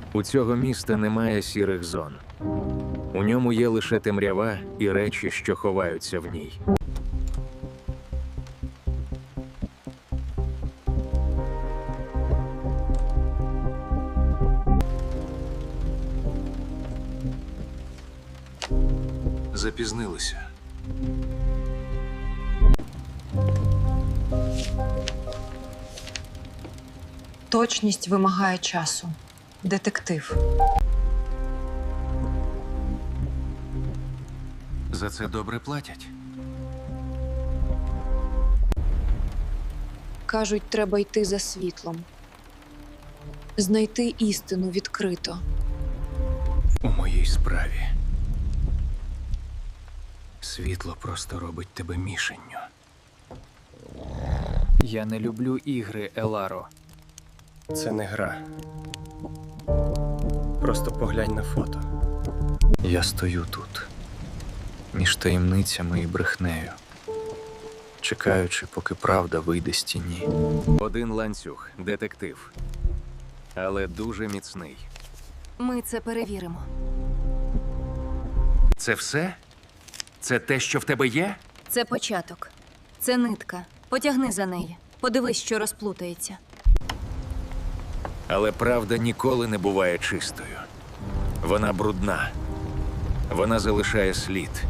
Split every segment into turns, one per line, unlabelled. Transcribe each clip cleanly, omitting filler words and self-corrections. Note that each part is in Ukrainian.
У цього міста немає сірих зон. У ньому є лише темрява і речі, що ховаються в ній. Запізнилися.
Точність вимагає часу. Детектив.
За це добре платять.
Кажуть, треба йти за світлом. Знайти істину відкрито.
У моїй справі. Світло просто робить тебе мішенню.
Я не люблю ігри, Еларо.
Це не гра. Просто поглянь на фото.
Я стою тут, між таємницями і брехнею, чекаючи, поки правда вийде з тіні. Один ланцюг, детектив. Але дуже міцний.
Ми це перевіримо.
Це все? Це те, що в тебе є?
Це початок. Це нитка. Потягни за неї. Подивись, що розплутається.
Але правда ніколи не буває чистою. Вона брудна. Вона залишає слід.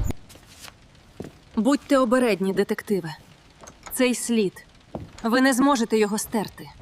Будьте обередні, детективи. Цей слід. Ви не зможете його стерти.